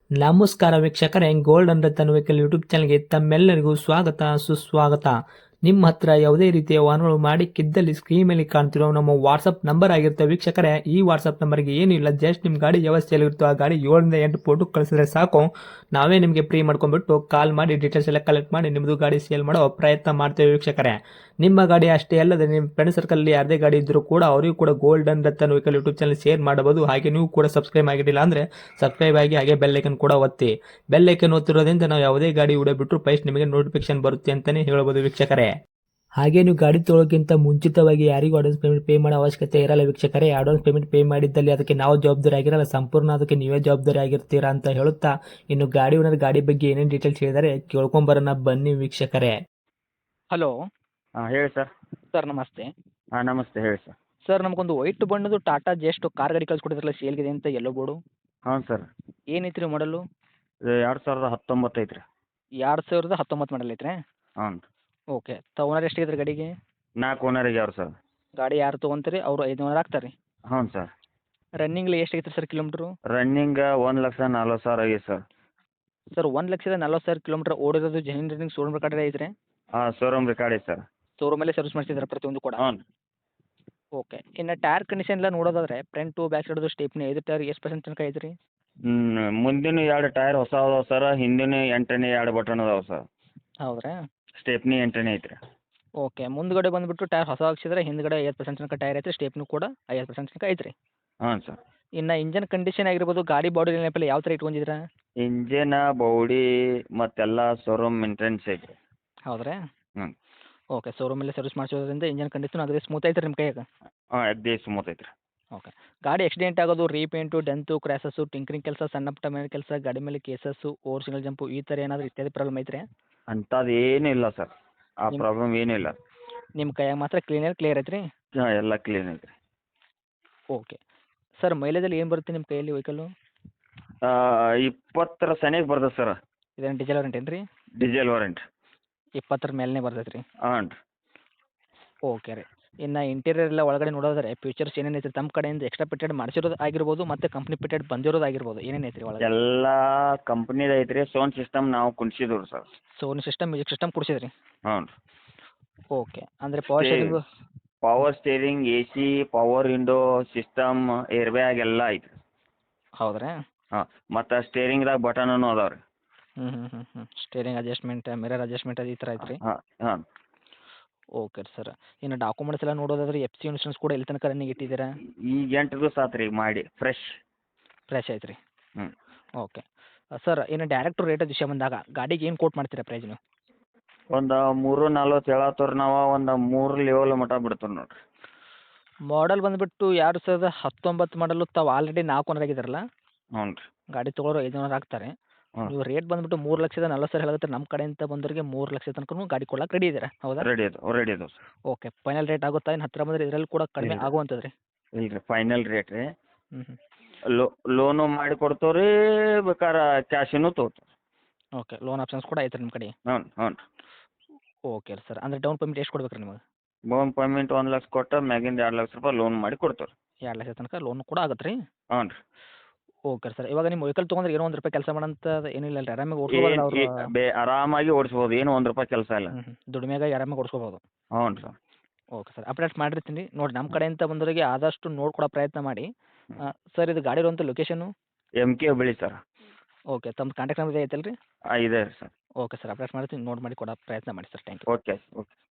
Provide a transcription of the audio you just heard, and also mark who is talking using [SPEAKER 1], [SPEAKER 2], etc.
[SPEAKER 1] ನಮಸ್ಕಾರ ವೀಕ್ಷಕರೇ, gold and Ratan vehicle YouTube ಚಾನಲ್ಗೆ ತಮ್ಮೆಲ್ಲರಿಗೂ ಸ್ವಾಗತ ಸುಸ್ವಾಗತ. ನಿಮ್ಮ ಹತ್ರ ಯಾವುದೇ ರೀತಿಯ ವಾಹನಗಳು ಮಾಡಿಕ್ಕಿದ್ದಲ್ಲಿ ಸ್ಕ್ರೀನ್ ಮೇಲೆ ಕಾಣ್ತಿರೋ ನಮ್ಮ ವಾಟ್ಸಪ್ ನಂಬರ್ ಆಗಿರುತ್ತೆ ವೀಕ್ಷಕರೇ. ಈ ವಾಟ್ಸಪ್ ನಂಬರ್ಗೆ ಏನಿಲ್ಲ, ಜಸ್ಟ್ ನಿಮ್ಮ ಗಾಡಿ ವ್ಯವಸ್ಥೆಯಲ್ಲಿರುತ್ತೋ ಆ ಗಾಡಿ 7 ರಿಂದ 8 ಫೋಟೋ ಕಳಿಸಿದ್ರೆ ಸಾಕು, ನಾವೇ ನಿಮಗೆ ಫ್ರೀ ಮಾಡ್ಕೊಂಡ್ಬಿಟ್ಟು ಕಾಲ್ ಮಾಡಿ ಡೀಟೇಲ್ಸ್ ಎಲ್ಲ ಕಲೆಕ್ಟ್ ಮಾಡಿ ನಿಮ್ಮದು ಗಾಡಿ ಸೇಲ್ ಮಾಡೋ ಪ್ರಯತ್ನ ಮಾಡ್ತೇವೆ ವೀಕ್ಷಕರೇ. ನಿಮ್ಮ ಗಾಡಿ ಅಷ್ಟೇ ಅಲ್ಲದೆ ನಿಮ್ಮ ಫ್ರೆಂಡ್ ಸರ್ಕಲ್ ಯಾರದೇ ಗಾಡಿ ಇದ್ದರೂ ಕೂಡ ಅವರಿಗೂ ಕೂಡ gold and Ratan vehicle YouTube channel share ಮಾಡಬಹುದು. ಹಾಗೆ ನೀವು ಕೂಡ ಸಬ್ಸ್ಕ್ರೈಬ್ ಆಗಿರಲಿಲ್ಲ ಅಂದರೆ ಸಬ್ಸ್ಕ್ರೈಬ್ ಆಗಿ ಹಾಗೆ ಬೆಲ್ ಐಕನ್ ಕೂಡ ಒತ್ತಿ. ಬೆಲ್ ಐಕನ್ ಒತ್ತಿರೋದ್ರಿಂದ ನಾವು ಯಾವುದೇ ಗಾಡಿ ವಿಡಿಯೋ ಬಿಟ್ಟರು ಫಸ್ಟ್ ನಿಮಗೆ ನೋಟಿಫಿಕೇಶನ್ ಬರುತ್ತೆ ಅಂತಾನೆ ಹೇಳ್ಬೋದು ವೀಕ್ಷಕರೇ. ಹಾಗೆ ನೀವು ಗಾಡಿ ತೊಳೋಕ್ಕಿಂತ ಮುಂಚಿತವಾಗಿ ಯಾರಿಗೂ ಅಡ್ವಾನ್ಸ್ ಪೇಮೆಂಟ್ ಪೇ ಮಾಡೋ ಅವಶ್ಯಕತೆ ಇರಲ್ಲ ವೀಕ್ಷಕರೇ. ಅಡ್ವಾನ್ಸ್ ಪೇಮೆಂಟ್ ಪೇ ಮಾಡಿದ್ದಲ್ಲಿ ಅದಕ್ಕೆ ನಾವು ಜವಾಬ್ದಾರಿ ಆಗಿರಲ್ಲ, ಸಂಪೂರ್ಣ ಅದಕ್ಕೆ ನೀವೇ ಜವಾಬ್ದಾರಿ ಆಗಿರ್ತೀರಾ ಅಂತ ಹೇಳುತ್ತಾ, ಇನ್ನು ಗಾಡಿ ಓನರ್ ಗಾಡಿ ಬಗ್ಗೆ ಏನೇನು ಡೀಟೇಲ್ಸ್ ಹೇಳಿದರೆ ಕೇಳ್ಕೊಂಬರೋಣ ಬನ್ನಿ ವೀಕ್ಷಕರೇ.
[SPEAKER 2] ಹಲೋ
[SPEAKER 3] ಹಾಂ ಹೇಳಿ ಸರ್.
[SPEAKER 2] ಸರ್ ನಮಸ್ತೆ.
[SPEAKER 3] ಹಾಂ ನಮಸ್ತೆ ಹೇಳಿ ಸರ್.
[SPEAKER 2] ಸರ್ ನಮಗೊಂದು ವೈಟ್ ಬಣ್ಣದು ಟಾಟಾ ಜಸ್ಟ್ ಕಾರ್ ಗಾಡಿ ಕಳ್ಸಿಕೊಟ್ಟಿದ್ರಲ್ಲ ಸೇಲ್ಗಿದೆ ಅಂತ ಎಲ್ಲೋ ಬೋರ್ಡು,
[SPEAKER 3] ಹಾಂ ಸರ್.
[SPEAKER 2] ಏನೈತ್ರಿ ಮಾಡಲು?
[SPEAKER 3] ಇದು 2019 ಐತ್ರಿ.
[SPEAKER 2] 2019 ಮಾಡಲ್ ಐತ್ರಿ?
[SPEAKER 3] ಹಾಂ ರೀ.
[SPEAKER 2] ಓಕೆ. ಓನರ್ ಎಷ್ಟಿದ್ರಿ ಗಾಡಿಗೆ?
[SPEAKER 3] 4 ಓನರಿಗೆ ಅವ್ರು ಸರ್.
[SPEAKER 2] ಗಾಡಿ ಯಾರು ತೊಗೊಂತೀರಿ ಅವರು 5 ಓನರ್ ಆಗ್ತಾರೆ ರೀ?
[SPEAKER 3] ಹ್ಞೂ ಸರ್.
[SPEAKER 2] ರನ್ನಿಂಗ್ಲಿ ಎಷ್ಟು ಐತ್ರಿ ಸರ್ ಕಿಲೋಮೀಟ್ರು?
[SPEAKER 3] ರನ್ನಿಂಗ್ 1,40,000 ಆಗೈತೆ ಸರ್.
[SPEAKER 2] ಸರ್ 1,40,000 ಕಿಲೋಮೀಟ್ರ್ ಓಡಿರೋದು ಜೆನ್ಯೂನ್ ರನ್ನಿಂಗ್ ಶೋರೂಮ್ ರೆಕಾರ್ಡ್ ಐತ್ರಿ?
[SPEAKER 3] ಹಾಂ ಶೋರೂಮ್ ರೆಕಾರ್ಡ್ ಐತೆ ಸರ್.
[SPEAKER 2] ಶೋರೂಮಲ್ಲೇ ಸರ್ವಿಸ್ ಮಾಡಿಸಿದ್ರೆ ಪ್ರತಿಯೊಂದು ಕೂಡ?
[SPEAKER 3] ಹ್ಞೂ.
[SPEAKER 2] ಓಕೆ. ಇನ್ನು ಟೈರ್ ಕಂಡೀಷನ್ ಎಲ್ಲ ನೋಡೋದಾದ್ರೆ ಫ್ರಂಟು ಬ್ಯಾಕ್ ಸೈಡ್ದು ಸ್ಟೇಪ್ನಿ 5 ಟೈರ್ ಎಷ್ಟು ಪರ್ಸೆಂಟ್ ತನಕ ಐತ್ರಿ?
[SPEAKER 3] ಮುಂದಿನ 2 ಟೈರ್ ಹೊಸ ಅದಾವೆ ಸರ್, ಹಿಂದಿನ 8ನೇ 2 ಬಟನ್ ಅದಾವೆ ಸರ್.
[SPEAKER 2] ಹೌದ್ರಾ?
[SPEAKER 3] ಸ್ಟೆಪ್ನಿ 8ನೇ ಐತ್ರಿ.
[SPEAKER 2] ಓಕೆ. ಮುಂದ್ಗಡೆ ಬಂದುಬಿಟ್ಟು ಟೈರ್ ಹೊಸ ಹಾಕ್ಸಿದ್ರೆ ಹಿಂದ್ಗಡೆ 50% ತನಕ ಟೈರ್ ಐತ್ರಿ, ಸ್ಟೇಪ್ನು ಕೂಡ 50% ತನಕ ಐತ್ರಿ.
[SPEAKER 3] ಹಾಂ ಸರ್.
[SPEAKER 2] ಇನ್ನು ಇಂಜನ್ ಕಂಡೀಷನ್ ಆಗಿರ್ಬೋದು, ಗಾಡಿ ಬಾಡಿ ನೆನಪಲ್ಲ ಯಾವ ಥರ ಇಟ್ಕೊಂಡಿದ್ದೀರಾ?
[SPEAKER 3] ಇಂಜಿನ ಬೌಡಿ ಮತ್ತೆಲ್ಲ ಶೋರೂಮ್ ಮೇಂಟೆನೆನ್ಸ್ ಐತ್ರಿ.
[SPEAKER 2] ಹೌದ್ರಾ?
[SPEAKER 3] ಹ್ಞೂ.
[SPEAKER 2] ಓಕೆ. ಶೋರೂಮಲ್ಲೇ ಸರ್ವಿಸ್ ಮಾಡಿಸೋದ್ರಿಂದ ಇಂಜನ್ ಕಂಡೀಷನ್ ಅದೇ ಸ್ಮೂತ್ ಐತ್ರಿ ನಿಮ್ಮ ಕೈಯಾಗ?
[SPEAKER 3] ಹಾಂ ಅಗ್ದಿ ಸ್ಮೂತ್ ಐತ್ರಿ.
[SPEAKER 2] ಓಕೆ. ಗಾಡಿ ಆಕ್ಸಿಡೆಂಟ್ ಆಗೋದು, ರೀಪೇಂಟು, ಡೆಂತು, ಕ್ರ್ಯಾಸಸ್ಸು, ಟಿಂಕರಿಂಗ್ ಕೆಲಸ, ಸಣ್ಣ ಪುಟ್ಟ ಮನೆ ಕೆಲಸ, ಗಾಡಿ ಮೇಲೆ ಕೇಸಸ್ಸು, ಓವರ್ ಸಿಂಗಲ್ ಜಂಪು ಈ ಥರ ಏನಾದರೂ ಇತ್ಯಾದಿ ಪ್ರಾಬ್ಲಮ್ ಐತ್ರಿ?
[SPEAKER 3] ಅಂಥದ್ದು ಏನೂ ಇಲ್ಲ ಸರ್, ಆ ಪ್ರಾಬ್ಲಮ್ ಏನೂ ಇಲ್ಲ.
[SPEAKER 2] ನಿಮ್ಮ ಕೈಯಾಗ ಮಾತ್ರ ಕ್ಲಿಯರ್ ಐತ್ರಿ?
[SPEAKER 3] ಹಾಂ ಎಲ್ಲ ಕ್ಲೀನ್ ಐತ್ರಿ.
[SPEAKER 2] ಓಕೆ. ಸರ್ ಮೈಲೇಜಲ್ಲಿ ಏನು ಬರುತ್ತೆ ನಿಮ್ಮ ಕೈಯಲ್ಲಿ ವೆಹಿಕಲ್ಲು?
[SPEAKER 3] 20 ಸನಿಗೆ ಬರ್ತದೆ ಸರ್.
[SPEAKER 2] ಇದೇನು ಡೀಸೆಲ್ ವಾರಂಟಿ ಏನು ರೀ?
[SPEAKER 3] Diesel warrant.
[SPEAKER 2] 20 ಮೇಲೇ ಬರ್ತೈತೆ ರೀ?
[SPEAKER 3] ಹಾಂ ರೀ.
[SPEAKER 2] ಓಕೆ ರೀ. ಇನ್ನು ಇಂಟೀರಿಯರ್ ಎಲ್ಲ ಒಳಗಡೆ ನೋಡೋದಾದ್ರೆ ಫೀಚರ್ಸ್ ಏನೇನು ಐತ್ರಿ ತಮ್ಮ ಕಡೆಯಿಂದ ಎಕ್ಸ್ಟ್ರಾ ಫಿಟೆಡ್ ಮಾಡಿಸಿರೋದು ಆಗಿರ್ಬೋದು ಮತ್ತು ಕಂಪ್ನಿ ಫಿಟೆಡ್ ಬಂದಿರೋದು ಆಗಿರ್ಬೋದು, ಏನೇನು ಐತ್ರಿ ಒಳಗೆ?
[SPEAKER 3] ಎಲ್ಲ ಕಂಪ್ನಿದು ಐತ್ರಿ. ಸೌಂಡ್ ಸಿಸ್ಟಮ್ ನಾವು ಕುಣ್ಸಿದ್ದೀವಿ sir.
[SPEAKER 2] Sony system, music system ಕೊಡಿಸಿದ್ರಿ?
[SPEAKER 3] ಹ್ಞೂ ರೀ.
[SPEAKER 2] ಓಕೆ. ಅಂದರೆ power sharing?
[SPEAKER 3] Power steering, AC, power window system, air bag ಎಲ್ಲ ಐತ್ರಿ.
[SPEAKER 2] ಹೌದ್ರಾ?
[SPEAKER 3] ಹಾಂ ಮತ್ತು ಸ್ಟೇರಿಂಗ್ದಾಗ ಬಟನೂ ಅದಾವೆ ರೀ.
[SPEAKER 2] ಸ್ಟೇರಿಂಗ್ ಅಡ್ಜಸ್ಟ್ಮೆಂಟ್, ಮಿರರ್ ಅಡ್ಜಸ್ಟ್ಮೆಂಟ್ ಅದು ಈ ಥರ ಐತ್ರಿ?
[SPEAKER 3] ಹಾಂ ಹಾಂ.
[SPEAKER 2] Okay sir. ಇನ್ನು ಡಾಕ್ಯುಮೆಂಟ್ಸ್ ಎಲ್ಲ ನೋಡೋದಾದ್ರೆ FC ಇನ್ಶೂರೆನ್ಸ್ ಕೂಡ ಎಲ್ಲಿ ತನಕ ರನ್ನಿಂಗ್ ಇಟ್ಟಿದ್ದೀರಾ?
[SPEAKER 3] ಈಗ 8 ದಿವಸ ಆತು ರೀ ಮಾಡಿ ಫ್ರೆಶ್.
[SPEAKER 2] ಫ್ರೆಶ್ ಐತ್ರಿ?
[SPEAKER 3] ಹ್ಞೂ.
[SPEAKER 2] ಓಕೆ. ಸರ್ ಇನ್ನು ಡೈರೆಕ್ಟ್ ರೇಟ್ ವಿಷಯ ಬಂದಾಗ ಗಾಡಿಗೆ ಏನು ಕೋಟ್ ಮಾಡ್ತೀರಾ ಪ್ರೈಸ್ ನೀವು?
[SPEAKER 3] ಒಂದು 3,40 ಹೇಳತ್ತವ್ರಿ ನಾವು, ಒಂದು 3 ಲೆವೆಲ್ ಮಟ್ಟ ಬಿಡ್ತೀವಿ ನೋಡಿರಿ.
[SPEAKER 2] ಮಾಡಲ್ ಬಂದುಬಿಟ್ಟು 2019 ಮಾಡಲು, ತಾವು ಆಲ್ರೆಡಿ 4 ಓನರ್ ಆಗಿದ್ದಾರಲ್ಲ,
[SPEAKER 3] ಹ್ಞೂ ರೀ.
[SPEAKER 2] ಗಾಡಿ ತೊಗೊಳೋರು 5 ಓನರ್ ಆಗ್ತಾರೆ.
[SPEAKER 3] ಹ್ಞೂ.
[SPEAKER 2] ನೀವು ರೇಟ್ ಬಂದುಬಿಟ್ಟು 3,40,000 ಹೇಳತ್ತೆ. ನಮ್ಮ ಕಡೆಯಿಂದ ಬಂದವರಿಗೆ 3 ಲಕ್ಷ ತನಕ ಗಾಡಿ ಕೊಡಕ್ಕೆ ರೆಡಿ ಇದ್ದೀರಾ, ಹೌದಾ?
[SPEAKER 3] ರೆಡಿ ಅದಾವೆ ಸರ್.
[SPEAKER 2] ಓಕೆ. ಫೈನಲ್ ರೇಟ್ ಆಗುತ್ತಾ? ಇನ್ನು ಹತ್ತಿರ ಬಂದರೆ ಇದರಲ್ಲಿ ಕೂಡ ಕಡಿಮೆ
[SPEAKER 3] ಇಲ್ಲ.
[SPEAKER 2] ಆಗುವಂಥದ್ದು ರೀ?
[SPEAKER 3] ಇಲ್ಲ ರೀ, ಫೈನಲ್ ರೇಟ್ ರೀ.
[SPEAKER 2] ಹ್ಞೂ.
[SPEAKER 3] ಲೋನು ಮಾಡಿ ಕೊಡ್ತೀವಿ ರೀ, ಬೇಕಾರೆ ಕ್ಯಾಶಿನೂ ತೊಗೋತೀವಿ.
[SPEAKER 2] ಓಕೆ. ಲೋನ್ ಆಪ್ಷನ್ಸ್ ಕೂಡ ಐತೆ ನಿಮ್ಮ ಕಡೆ?
[SPEAKER 3] ಹ್ಞೂ ಹ್ಞೂ ರೀ.
[SPEAKER 2] Okay sir. ಅಂದರೆ ಡೌನ್ ಪೇಮೆಂಟ್ ಎಷ್ಟು ಕೊಡ್ಬೇಕು ರೀ ನಿಮಗೆ?
[SPEAKER 3] ಡೌನ್ ಪೇಮೆಂಟ್ 1 ಲಕ್ಷ ಕೊಟ್ಟು ಮ್ಯಾಗಿಂದ 2 ಲಕ್ಷ ರೂಪಾಯಿ ಲೋನ್ ಮಾಡಿ ಕೊಡ್ತೀವಿ ರೀ.
[SPEAKER 2] 2 ಲಕ್ಷ ತನಕ ಲೋನ್ ಕೂಡ ಆಗುತ್ತೆ ರೀ?
[SPEAKER 3] ಹ್ಞೂ ರೀ.
[SPEAKER 2] Okay sir. ಇವಾಗ ನಿಮ್ಮ ವೆಹಿಕಲ್ ತೊಗೊಂಡ್ರೆ ಏನೋ 1 ರೂಪಾಯಿ ಕೆಲಸ ಮಾಡೋಂಥ ಏನಿಲ್ಲ ಅಲ್ರಿ, ಆರಾಮಾಗಿ ಓಡಿಸ್ಬೋದಲ್ಲ ಅವರು?
[SPEAKER 3] ಆರಾಮಾಗಿ ಓಡಿಸ್ಬೋದು, ಏನು 1 ರೂಪಾಯಿ ಕೆಲಸ ಇಲ್ಲ.
[SPEAKER 2] ದುಡಿಮೆಗಾಗಿ ಆರಾಮಾಗಿ ಓಡಿಸ್ಕೋಬೋದು?
[SPEAKER 3] ಹ್ಞೂ ಸರ್.
[SPEAKER 2] Okay sir. ಅಪ್ಡೇಟ್ ಮಾಡಿರ್ತೀನಿ ನೋಡಿ. ನಮ್ಮ ಕಡೆಯಿಂದ ಬಂದವರಿಗೆ ಆದಷ್ಟು ನೋಡ್ಕೊಡೋ ಪ್ರಯತ್ನ ಮಾಡಿ. ಸರ್ ಇದು ಗಾಡಿ ಇರುವಂಥ location?
[SPEAKER 3] MK Hubli sir.
[SPEAKER 2] Okay. ತಮ್ಮ ಕಾಂಟ್ಯಾಕ್ಟ್ ನಂಬರ್ ಐತಲ್ಲ ರೀ?
[SPEAKER 3] ಇದೆ ಸರ್.
[SPEAKER 2] Okay sir. ಅಪ್ಡೇಟ್ ಮಾಡ್ತೀನಿ, ನೋಡಿ ಮಾಡಿ ಕೊಡೋ ಪ್ರಯತ್ನ ಮಾಡಿ sir. Thank you.
[SPEAKER 3] Okay okay.